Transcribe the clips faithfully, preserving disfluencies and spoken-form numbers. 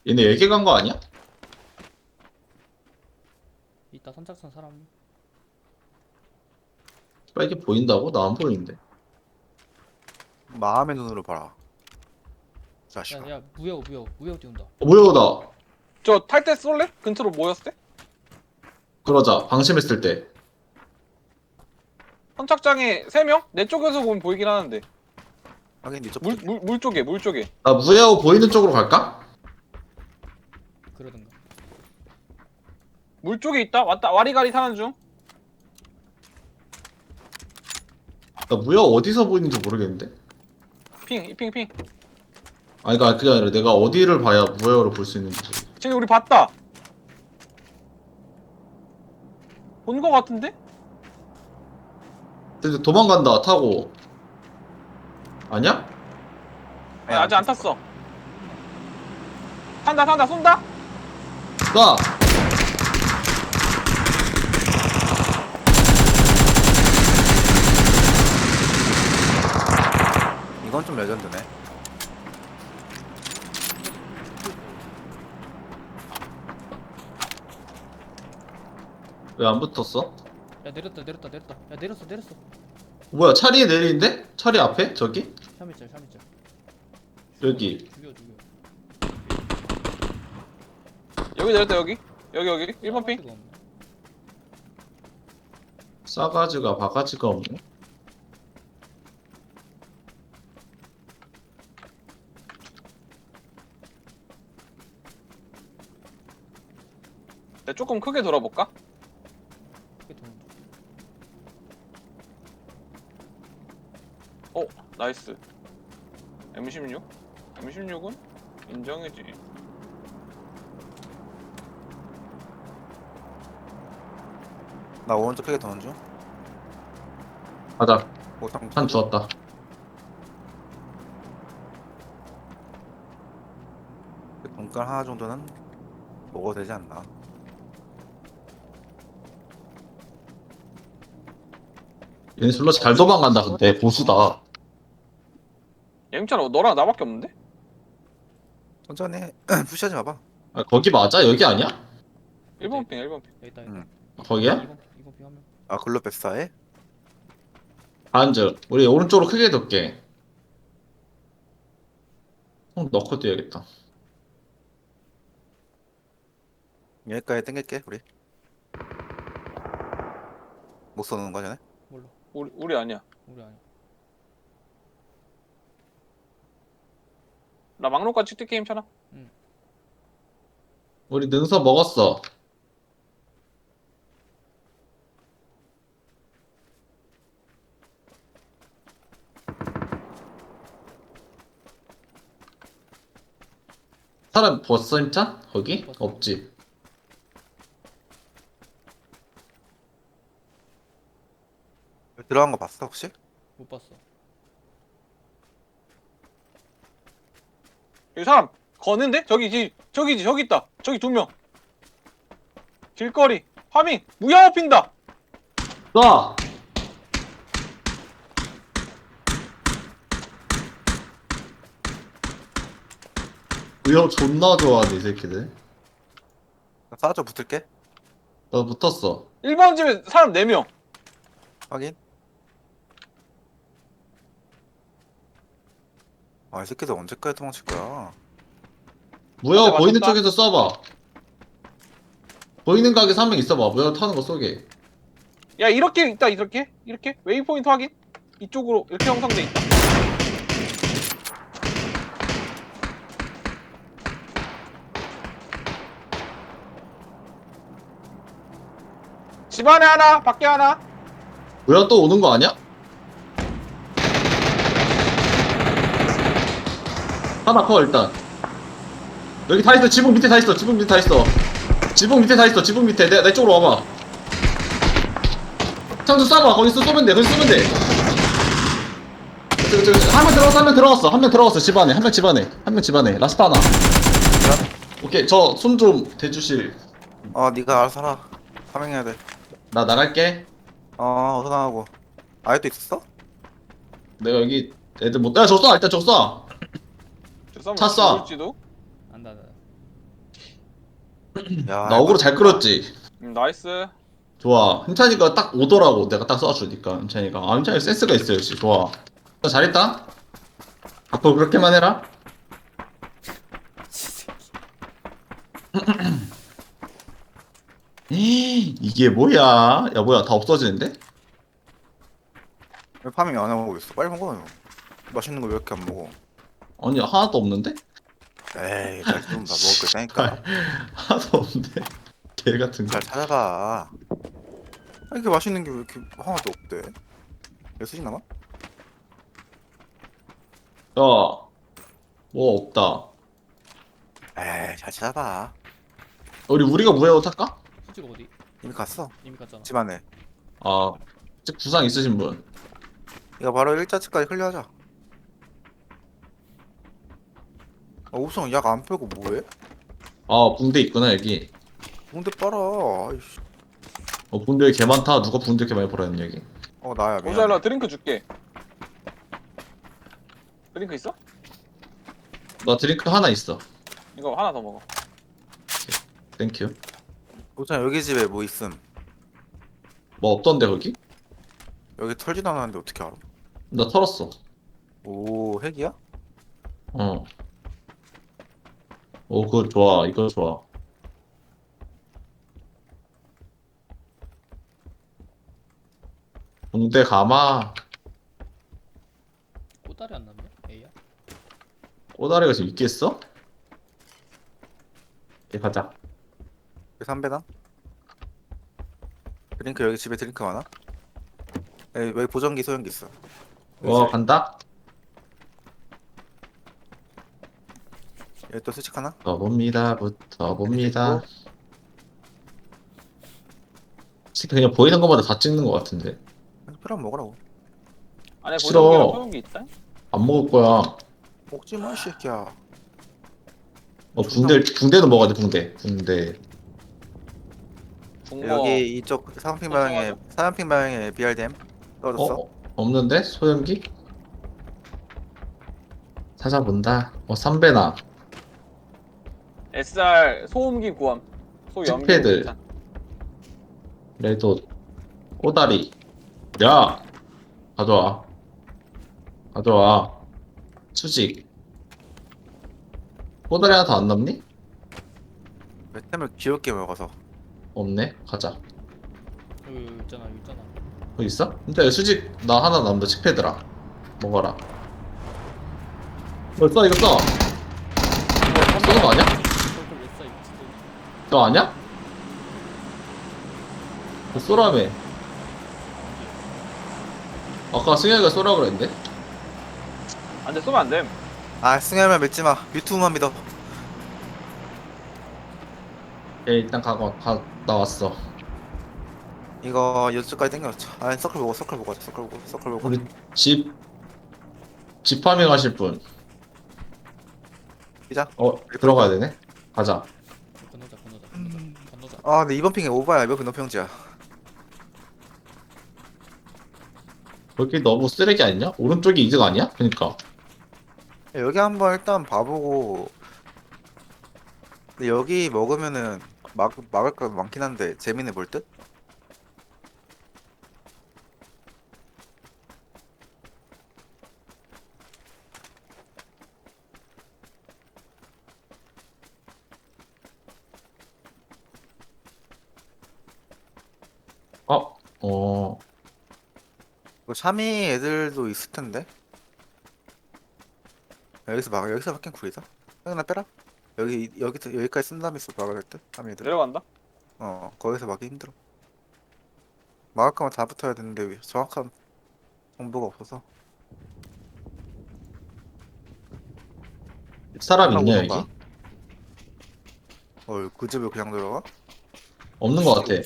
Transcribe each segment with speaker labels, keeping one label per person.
Speaker 1: 얘네 얘기 간 거 아니야?
Speaker 2: 이따 선착순 사람.
Speaker 1: 빨리 보인다고? 나 안 보이는데.
Speaker 3: 마음의 눈으로 봐라. 자식아.
Speaker 2: 야야 무역 무역 무역 띄운다.
Speaker 1: 어, 뭐야, 나.
Speaker 4: 저 탈 때 쏠래? 근처로 모였을 때?
Speaker 1: 그러자. 방심했을 때.
Speaker 4: 선착장에 세 명? 내 쪽에서 보면 보이긴 하는데.
Speaker 3: 하긴 니쪽
Speaker 4: 물, 물, 물 쪽에, 물 쪽에.
Speaker 1: 나 무야호 보이는 쪽으로 갈까?
Speaker 2: 그러든가.
Speaker 4: 물 쪽에 있다? 왔다, 와리가리 타는 중.
Speaker 1: 나 무야호 어디서 보이는지 모르겠는데.
Speaker 4: 핑, 핑, 핑.
Speaker 1: 아니, 그니까 그게 아니라 내가 어디를 봐야 무야호를 볼 수 있는지.
Speaker 4: 쟤네 우리 봤다. 본 거 같은데?
Speaker 1: 근데 도망간다, 타고. 아니야?
Speaker 4: 아니, 아직 안 탔어. 탄다, 탄다, 쏜다?
Speaker 1: 나!
Speaker 3: 이건 좀 레전드네.
Speaker 1: 왜 안 붙었어?
Speaker 2: 야 내렸다 내렸다 내렸다. 야 내렸어 내렸어.
Speaker 1: 뭐야, 차리에 내리는데? 차리 앞에? 저기?
Speaker 2: 샤미짤 샤미짤.
Speaker 1: 여기.
Speaker 2: 죽여 죽여.
Speaker 4: 여기 내렸다, 여기. 여기, 여기. 일 번 핑.
Speaker 2: 싸가지가 없네.
Speaker 1: 싸가지가 바가지가 없네.
Speaker 4: 내가 조금 크게 돌아볼까?
Speaker 2: 크게 도는 중.
Speaker 4: 어, 나이스. 엠 십육? 엠 십육은 인정이지.
Speaker 3: 나 오른쪽 크게 도는 중.
Speaker 1: 가자.
Speaker 3: 오상
Speaker 1: 한 주웠다.
Speaker 3: 돈깔 하나 정도는 먹어도 되지 않나.
Speaker 1: 얘네 졸라 잘 도망간다, 근데. 보수다.
Speaker 4: 엠차로 너랑 나밖에 없는데?
Speaker 3: 천천히 해. 푸시하지 마봐.
Speaker 1: 아, 거기 맞아? 여기 아니야?
Speaker 4: 일 번 핑, 일 번 핑.
Speaker 2: 여기 있다 여기
Speaker 3: 응.
Speaker 2: 있다.
Speaker 1: 거기야?
Speaker 2: 이번 이번 비 하면.
Speaker 3: 아 글로 뱃사해?
Speaker 1: 반즈. 우리 오른쪽으로 크게 둘게. 어, 넣고 뛰어야겠다.
Speaker 3: 여기까지 땡길게 우리. 못 쏘는 거 전에?
Speaker 2: 몰라.
Speaker 4: 우리, 우리 아니야.
Speaker 2: 우리 아니야.
Speaker 4: 나 막로까지 뛸 게임 차나?
Speaker 1: 우리 능서 먹었어. 사람 벗어 임찬? 거기?
Speaker 2: 벗어.
Speaker 1: 없지.
Speaker 3: 들어간 거 봤어 혹시?
Speaker 2: 못 봤어.
Speaker 4: 여기 사람 거는데? 저기지, 저기지, 저기 있다. 저기 두 명. 길거리, 파밍, 무야호 핀다.
Speaker 1: 쏴! 의욕 존나 좋아하네, 이 새끼들.
Speaker 3: 나 싸줘 붙을게.
Speaker 1: 나 붙었어.
Speaker 4: 일 번 집에 사람 네 명.
Speaker 3: 확인. 아 이 새끼들 언제까지 도망칠 거야?
Speaker 1: 무역
Speaker 4: 맞췄다.
Speaker 1: 보이는 쪽에서 쏴봐. 보이는 가게에서 한 명 있어봐. 무역 타는 거 쏘게.
Speaker 4: 야, 이렇게 있다, 이렇게. 이렇게. 웨이포인트 확인. 이쪽으로 이렇게 형성돼 있다. 집 안에 하나, 밖에 하나.
Speaker 1: 무역 또 오는 거 아니야? 하나 커, 일단. 여기 다 있어. 지붕 밑에 다 있어. 지붕 밑에 다 있어. 지붕 밑에 다 있어. 지붕 밑에. 내, 내 쪽으로 와봐. 창수 쏴봐. 거기서 쏘면 돼. 거기서 쏘면 돼. 저, 저, 저, 한명 들어갔어. 한 명 들어갔어. 한 명 들어갔어. 집 안에. 한 명 집 안에. 한 명 집 안에. 라스트 하나. 오케이. 저 손 좀 대주실.
Speaker 3: 어 네가 알아서 하라. 파밍해야 돼.
Speaker 1: 나 나갈게.
Speaker 3: 어 어서 나가고. 아직도 있었어?
Speaker 1: 내가 여기 애들 못. 야, 저 쏴. 일단 저 쏴.
Speaker 4: 저 싸움
Speaker 1: 차 쏴.
Speaker 4: 모를지도.
Speaker 2: 안다 안다.
Speaker 3: 야,
Speaker 1: 나 어그로 잘 끌었지.
Speaker 4: 음, 나이스.
Speaker 1: 좋아. 힘찬이가 딱 오더라고. 내가 딱 쏴주니까 힘찬이가. 아 힘찬이 센스가 있어 역시. 좋아. 너 잘했다. 앞으로 그렇게만 해라. 에이, 이게 뭐야? 야 뭐야 다 없어지는데?
Speaker 3: 왜 파밍 안 하고 있어? 빨리 먹어. 맛있는 거 왜 이렇게 안 먹어?
Speaker 1: 아니 하나도 없는데?
Speaker 3: 에이, 잘좀 봐. 먹을 거 있다니까.
Speaker 1: 하나도 없는데? 개 같은 거.
Speaker 3: 잘 찾아봐. 아, 이렇게 맛있는 게 왜 이렇게 하나도 없대? 왜 수직 남아?
Speaker 1: 야, 뭐 없다.
Speaker 3: 에이, 잘 찾아봐.
Speaker 1: 우리 우리가 무회로 탈까?
Speaker 2: 수직 어디?
Speaker 3: 이미 갔어.
Speaker 2: 이미 갔잖아.
Speaker 3: 집 안에.
Speaker 1: 아, 즉 부상 있으신 분.
Speaker 3: 이거 바로 일자치까지 클리어하자. 아, 우선 약 안 빼고 뭐해?
Speaker 1: 아, 붕대 있구나 여기.
Speaker 3: 뭔데 빨아. 아이씨.
Speaker 1: 어, 붕대 개 많다. 누가 붕대 이렇게 많이 벌었는 여기?
Speaker 3: 어, 나야, 미안.
Speaker 4: 오자일라 드링크 줄게. 드링크 있어?
Speaker 1: 나 드링크 하나 있어.
Speaker 4: 이거 하나 더 먹어.
Speaker 1: 땡큐.
Speaker 3: 우선 여기 집에 뭐 있음.
Speaker 1: 뭐 없던데 거기?
Speaker 3: 여기 털지도 않았는데 어떻게 알아?
Speaker 1: 나 털었어.
Speaker 3: 오, 핵이야?
Speaker 1: 어. 오, 그거 좋아. 이거 좋아. 붕대 감아.
Speaker 2: 꼬다리 안 났네. A야.
Speaker 1: 꼬다리가 지금 있겠어? 예, 가자.
Speaker 3: 여기 삼배당? 드링크 여기 집에 드링크 많아? 여기, 여기 보정기 소형기 있어.
Speaker 1: 와, 간다?
Speaker 3: 여기 또 스틱 하나?
Speaker 1: 더봅니다. 부터 봅니다. 진짜 그냥 보이는 것마다 다 찍는 것 같은데.
Speaker 3: 필요하면 먹으라고.
Speaker 4: 안에
Speaker 1: 싫어.
Speaker 4: 보정기랑 소용기 있다.
Speaker 1: 안 먹을 거야.
Speaker 3: 먹지 마, 이 새끼야.
Speaker 1: 어, 붕대, 붕대도 먹어야 돼, 붕대. 붕대.
Speaker 4: 중거.
Speaker 3: 여기 이쪽 사은핑 방향에
Speaker 4: 어,
Speaker 3: 사은핑 방향에 비알디엠 떨어졌어.
Speaker 1: 어? 없는데? 소염기? 찾아본다. 어, 삼배나.
Speaker 4: 에스알 소음기 구함. 소염기.
Speaker 1: 틱패드.
Speaker 4: 괜찮.
Speaker 1: 레도. 꼬다리. 야! 가져와. 가져와. 수직. 꼬다리 하나 더 안 남니?
Speaker 3: 왜 템을 귀엽게 먹어서.
Speaker 1: 없네. 가자.
Speaker 2: 여기, 여기 있잖아. 여기 있잖아.
Speaker 1: 거기 있어? 근데 수직 나 하나 남다. 칙패드라. 먹어라. 이거 써, 이거 써. 쓰는 거 아니야?
Speaker 2: 저걸 왜 써? 이거 진짜.
Speaker 1: 너 아니야? 그 쏘라며. 아까 승현이가 쏘라 그랬는데?
Speaker 4: 안돼 쏘면 안 됨.
Speaker 3: 아, 승현이만 믿지 마. 유튜브만 믿어.
Speaker 1: 예, 일단 가고 가 나왔어.
Speaker 3: 이거 이쪽까지 당겨놓자. 아, 서클 보고 서클 보고 서클 보고 서클 보고.
Speaker 1: 우리 집 집파밍 하실 분.
Speaker 3: 시작.
Speaker 1: 어 들어가야 되네. 가자.
Speaker 2: 건너자, 건너자, 건너자. 건너자.
Speaker 3: 아, 근데 이번 핑에 오바야. 이번 핑 높이형지야.
Speaker 1: 거기 너무 쓰레기 아니냐? 오른쪽이 이득 아니야? 그니까.
Speaker 3: 여기 한번 일단 봐보고. 근데 여기 먹으면은 막 막을 거 많긴 한데 재미는 볼 듯?
Speaker 1: 어, 어,
Speaker 3: 이거 샤미 애들도 있을 텐데. 여기서 막 여기서 막힌 구리다. 형나 빼라. 여기 여기 여기까지 쓴 다음에 막아야 될 듯. 샤미 애들.
Speaker 4: 내려간다.
Speaker 3: 어, 거기서 막기 힘들어. 막을 거면 다 붙어야 되는데 왜 정확한 정보가 없어서.
Speaker 1: 사람
Speaker 3: 하고
Speaker 1: 있냐
Speaker 3: 오던가.
Speaker 1: 여기?
Speaker 3: 어, 그 집에 그냥 들어가?
Speaker 1: 없는 것 같아.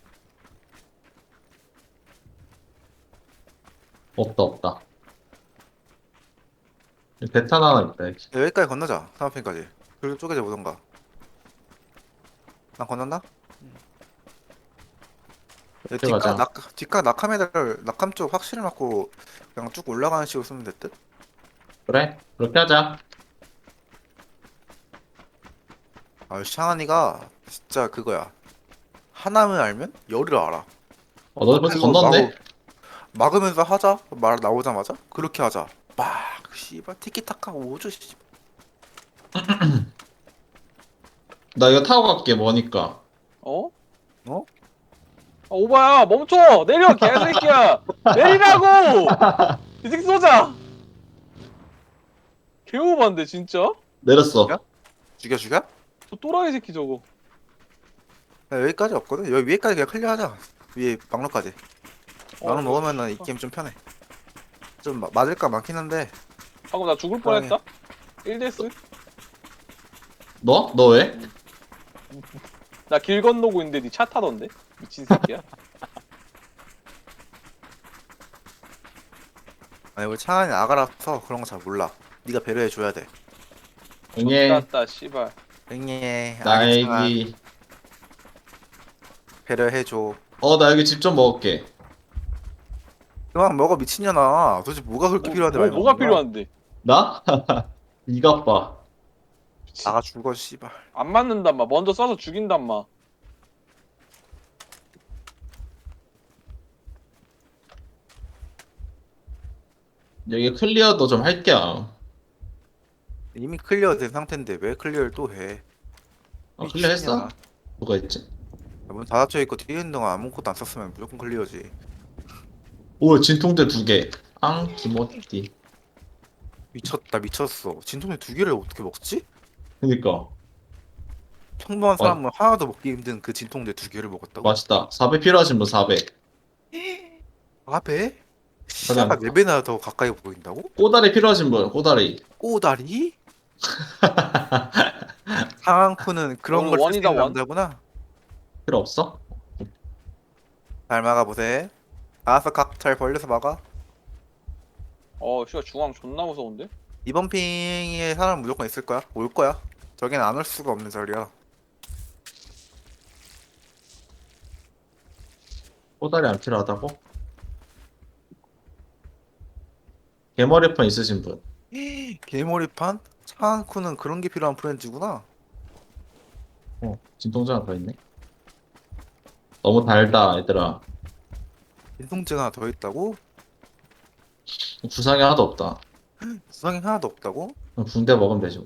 Speaker 1: 없다 없다. 배탄 하나 있다 여기.
Speaker 3: 야, 여기까지 건너자. 사마핀까지. 그리고 쪼개져 보던가. 난 건넜나?
Speaker 2: 응.
Speaker 3: 야,
Speaker 1: 이렇게 가자.
Speaker 3: 뒷각 낙 뒷각 낙함 애들 낙함 쪽 확실히 맞고 그냥 쭉 올라가는 식으로 쓰면 될 듯?
Speaker 1: 그래? 그렇게 하자.
Speaker 3: 아 샹하니가 진짜 그거야. 하나만 알면 열을 알아.
Speaker 1: 어, 너 벌써
Speaker 3: 이거
Speaker 1: 건넜네?
Speaker 3: 마구- 막으면서 하자. 말 나오자마자 그렇게 하자. 막 씨발 티키타카 오죠 씨.
Speaker 1: 나 이거 타고 갈게, 뭐니까.
Speaker 4: 어?
Speaker 3: 어?
Speaker 4: 아, 오바야 멈춰 내려 개새끼야 내리라고 이 새끼 쏘자 개오반데 진짜
Speaker 1: 내렸어.
Speaker 3: 야? 죽여 죽여?
Speaker 4: 저 또라이 새끼 저거
Speaker 3: 야, 여기까지 없거든. 여기 위에까지 그냥 클리어하자. 위에 막로까지.
Speaker 4: 어,
Speaker 3: 막로 먹으면은 이 게임 좀 편해. 좀 마- 맞을까 많긴 한데.
Speaker 4: 방금 나 죽을 뻔했다 일 데스
Speaker 1: 너? 너 왜?
Speaker 4: 나 길 건너고 있는데 니 차 타던데 미친 새끼야
Speaker 3: 아니 우리 창한이 아가라서 그런 거 잘 몰라. 네가 배려해 줘야 돼.
Speaker 1: 응애,
Speaker 4: 졌다 씨발
Speaker 3: 응애 아기 창한
Speaker 1: 나에기.
Speaker 3: 배려해 줘.
Speaker 1: 어, 나 여기 집 좀 먹을게.
Speaker 3: 그만 먹어 미친년아. 도대체 뭐가 그렇게
Speaker 4: 뭐,
Speaker 3: 필요한데
Speaker 4: 뭐,
Speaker 3: 많이
Speaker 4: 뭐가
Speaker 3: 먹는 거야?
Speaker 4: 필요한데
Speaker 1: 나? 이것 봐.
Speaker 3: 나가 죽어 씨발.
Speaker 4: 안 맞는단 마 먼저 쏴서 죽인단 마
Speaker 1: 여기 클리어도 좀 할게.
Speaker 3: 이미 클리어 된 상태인데 왜 클리어를 또 해?
Speaker 1: 어, 클리어 했어?
Speaker 3: 미친년아.
Speaker 1: 뭐가 있지?
Speaker 3: 문 닫아져 있고 뛰는 동안 아무것도 안 썼으면 무조건 클리어지.
Speaker 1: 오, 진통제 두 개. 앙, 기모띠.
Speaker 3: 미쳤다 미쳤어. 진통제 두 개를 어떻게 먹지?
Speaker 1: 그니까.
Speaker 3: 평범한
Speaker 1: 어.
Speaker 3: 사람은 하나도 먹기 힘든 그 진통제 두 개를 먹었다고?
Speaker 1: 맛있다. 사백 필요하신 분 사백.
Speaker 3: 아 배? 시야가
Speaker 1: 사장.
Speaker 3: 네 배나 더 가까이 보인다고?
Speaker 1: 꼬다리 필요하신 분, 꼬다리.
Speaker 3: 꼬다리? 상황쿠는 그런
Speaker 4: 오늘
Speaker 3: 걸
Speaker 4: 원이다,
Speaker 3: 쓰는
Speaker 4: 원.
Speaker 3: 남자구나.
Speaker 1: 필요 없어?
Speaker 3: 잘 막아보세. 알아서 각 잘 벌려서 막아.
Speaker 4: 어 씨발 중앙 존나 무서운데
Speaker 3: 이번 핑에 사람 무조건 있을 거야. 올 거야. 저긴 안 올 수가 없는 자리야.
Speaker 1: 꼬다리 안 필요하다고? 개머리판 있으신 분.
Speaker 3: 개머리판? 상황쿠는 그런 게 필요한 프렌즈구나.
Speaker 1: 어, 진통제 하나 더 있네. 너무 달다, 얘들아.
Speaker 3: 진통제가 하나 더 있다고?
Speaker 1: 구상이 하나도 없다.
Speaker 3: 수상이 하나도 없다고?
Speaker 1: 그럼 붕대 먹으면 되지 뭐.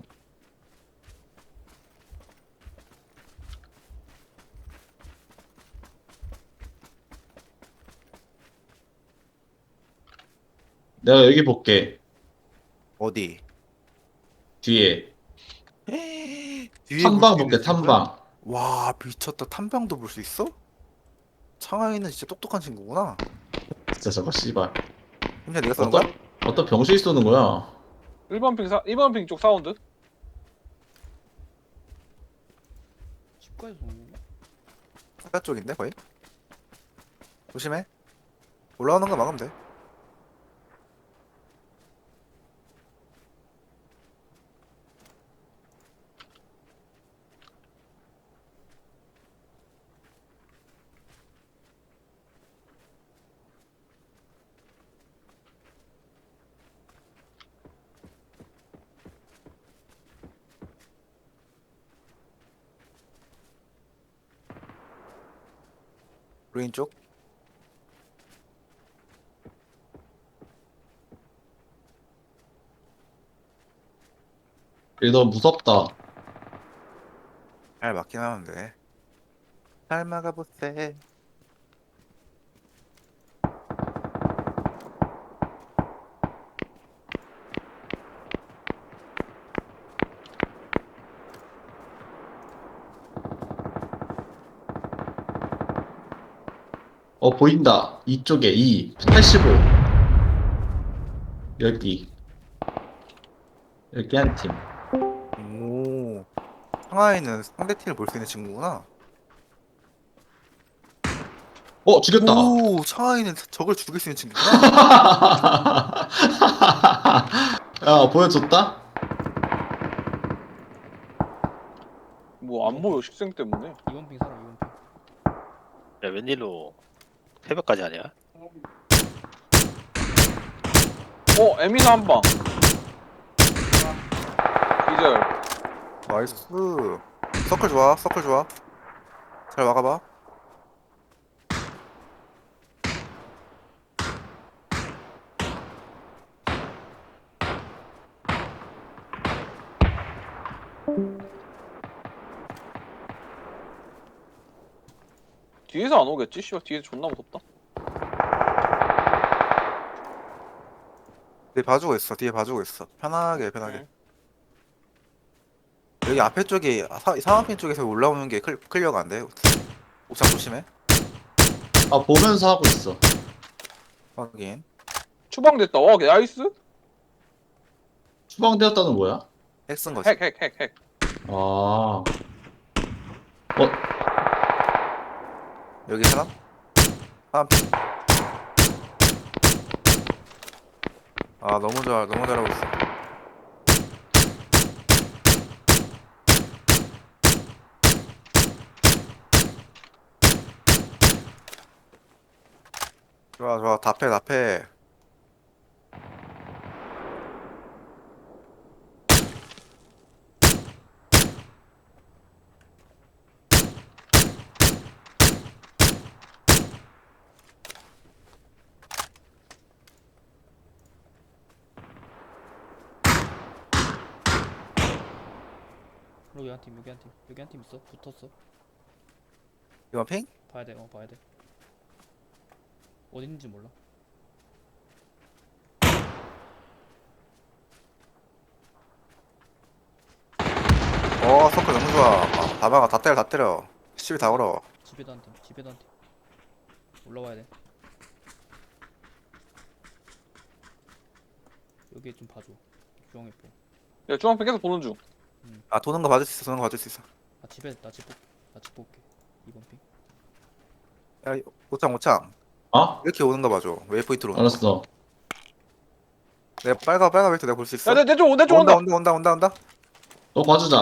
Speaker 1: 내가 여기 볼게.
Speaker 3: 어디?
Speaker 1: 뒤에.
Speaker 3: 뒤에
Speaker 1: 탐방
Speaker 3: 볼
Speaker 1: 볼게,
Speaker 3: 수 있는
Speaker 1: 탐방.
Speaker 3: 와 미쳤다. 탐방도 볼 수 있어? 창하이는 진짜 똑똑한 친구구나.
Speaker 1: 진짜 저거 씨발.
Speaker 3: 힘내 내가 쏘는
Speaker 1: 어떤,
Speaker 3: 거야?
Speaker 1: 어떤 병신이 쏘는 거야?
Speaker 4: 일 번 핑 사, 일 번 핑 쪽 사운드
Speaker 2: 집까지 오는 거?
Speaker 3: 사가 쪽인데 거의? 조심해. 올라오는 거 막으면 돼. 루인 쪽.
Speaker 1: 이거 너무 무섭다.
Speaker 3: 잘 막긴 하는데. 잘 막아보세.
Speaker 1: 어, 보인다. 이쪽에 이 팔십오. 여기. 여기 한 팀.
Speaker 3: 오. 상하이는 상대팀을 볼 수 있는 친구구나.
Speaker 1: 어, 죽였다.
Speaker 3: 오, 상하이는 적을 죽일 수 있는 친구구나.
Speaker 1: 야, 보여줬다?
Speaker 4: 뭐 안 보여 식생 때문에
Speaker 2: 이번 핑 사람 이번 핑.
Speaker 5: 야, 웬일로 새벽까지 하냐?
Speaker 4: 어 에미사 한방 기절
Speaker 3: 나이스. 서클 좋아 서클 좋아. 잘 막아봐.
Speaker 4: 뒤에서 안 오겠지? 씨발 뒤에서 존나 무섭다.
Speaker 3: 뒤에 봐주고 있어. 뒤에 봐주고 있어. 편하게 편하게.
Speaker 4: 응.
Speaker 3: 여기 앞에 쪽이 사, 사방핀 쪽에서 올라오는 게 클, 클리어가 안 돼. 옥상 조심해.
Speaker 1: 아 보면서 하고 있어.
Speaker 3: 확인.
Speaker 4: 추방됐다. 와 나이스.
Speaker 1: 추방되었다는 뭐야?
Speaker 3: 핵 쓴 거지.
Speaker 4: 핵 핵 핵 핵.
Speaker 1: 아. 어
Speaker 3: 여기 사람? 사방핀. 아 너무 잘 너무 잘하고 있어. 좋아 좋아 답해 답해.
Speaker 2: 여기 한 팀, 여기 한 팀, 여기 한 팀 있어. 붙었어.
Speaker 3: 이번 핑?
Speaker 2: 봐야 돼. 어, 봐야 돼. 어디 있는지 몰라.
Speaker 3: 어 서클 너무 좋아. 아, 다 막아 다 때려 다 때려. 시비 다 걸어.
Speaker 2: 집에도 한 팀, 집에도 한 팀. 올라와야 돼. 여기 좀 봐줘. 중앙에 보.
Speaker 4: 야 중앙편 계속 보는 중.
Speaker 3: 아 도는 거 봐줄 수 있어 도는 거 봐줄 수 있어.
Speaker 2: 아 집에 나집 볼, 나집 볼게. 이번 핑.
Speaker 3: 야 오창 오창
Speaker 1: 어?
Speaker 3: 이렇게 오는 거 봐줘. 웨이포인트로 오는 거.
Speaker 1: 알았어.
Speaker 3: 내가 빨간 빨간 웨이트 내가 볼 수 있어.
Speaker 4: 야내내쪽내쪽
Speaker 3: 온다
Speaker 4: 온다.
Speaker 3: 온다 온다 온다 온다.
Speaker 1: 또 봐주자.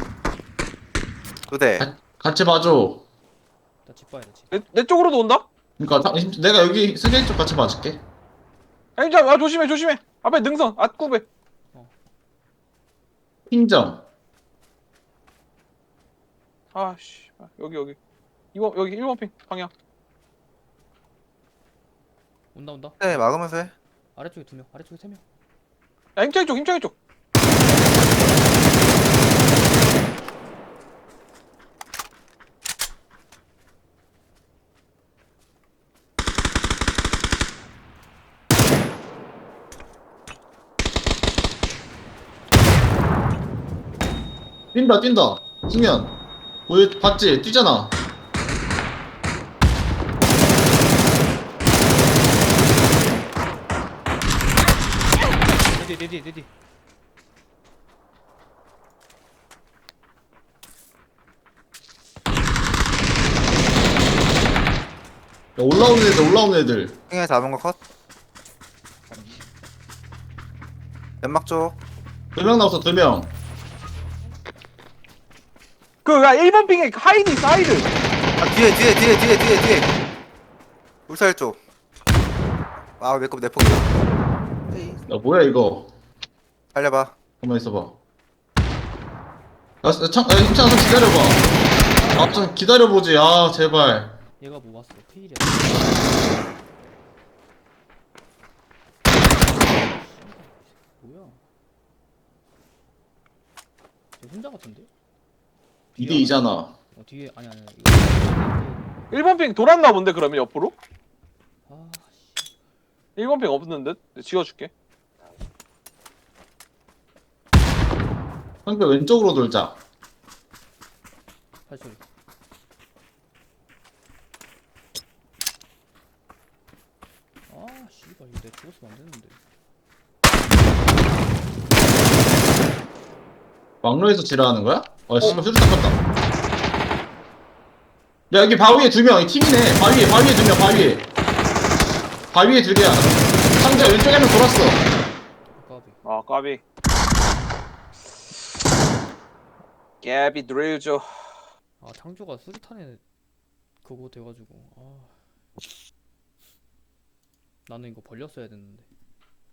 Speaker 3: 두 대.
Speaker 1: 가, 같이 봐줘.
Speaker 2: 나 집 봐야 돼. 집.
Speaker 4: 내, 내 쪽으로도 온다.
Speaker 1: 그러니까 다- 내가 여기 승객 쪽 같이 봐줄게.
Speaker 4: 아니 자, 아 조심해 조심해. 앞에 능선 앞구배.
Speaker 1: 핑점.
Speaker 4: 아씨 여기 여기. 이번 여기 일 번 핑 방향.
Speaker 2: 온다 온다.
Speaker 3: 네 막으면서 해.
Speaker 2: 아래쪽에 두 명, 아래쪽에 세 명.
Speaker 4: 야 힘차이 쪽 힘차이 쪽.
Speaker 1: 뛴다 뛴다. 승현. 보여 봤지? 뛰잖아.
Speaker 2: 내뒤 내뒤 내뒤.
Speaker 1: 야, 올라오는 애들 올라오는 애들.
Speaker 3: 핑에 잡은 거 컷. 연막 쪽.
Speaker 1: 두 명 남았어 두 명.
Speaker 4: 그야 일 번 핑에 하이드 있어 하이드.
Speaker 3: 아 뒤에 뒤에 뒤에 뒤에 뒤에 뒤에. 울살 쪽. 아 내거 내 폭.
Speaker 1: 야 뭐야 이거.
Speaker 3: 살려봐.
Speaker 1: 가만 있어봐. 야, 야, 참, 야, 힘찬아 좀 기다려봐. 아, 좀 기다려보지. 아, 제발.
Speaker 2: 얘가 뭐 왔어? 페일이야. 뭐야? 쟤 혼자 같은데?
Speaker 1: 이 대 이잖아.
Speaker 2: 어 뒤에 아니 아니 이거.
Speaker 4: 일 번 핑 돌았나 본데 그러면 옆으로?
Speaker 2: 아 씨.
Speaker 4: 일 번 핑 없는 듯? 내가 지워줄게.
Speaker 1: 상대 왼쪽으로 돌자.
Speaker 2: 발소리. 아 씨발 이거 내가 죽었으면 안 되는데.
Speaker 1: 막로에서 지랄하는 거야? 아, 씨발, 수류탄 떴다. 야, 여기 바위에 두 명. 이 팀이네. 바위에, 바위에 두 명, 바위에. 바위에 두 개야. 상자 왼쪽에 한 명 돌았어.
Speaker 2: 아까비.
Speaker 4: 아 까비. 깨비 드릴죠.
Speaker 2: 아 창조가 수류탄에 그거 돼가지고 아 나는 이거 벌렸어야 됐는데.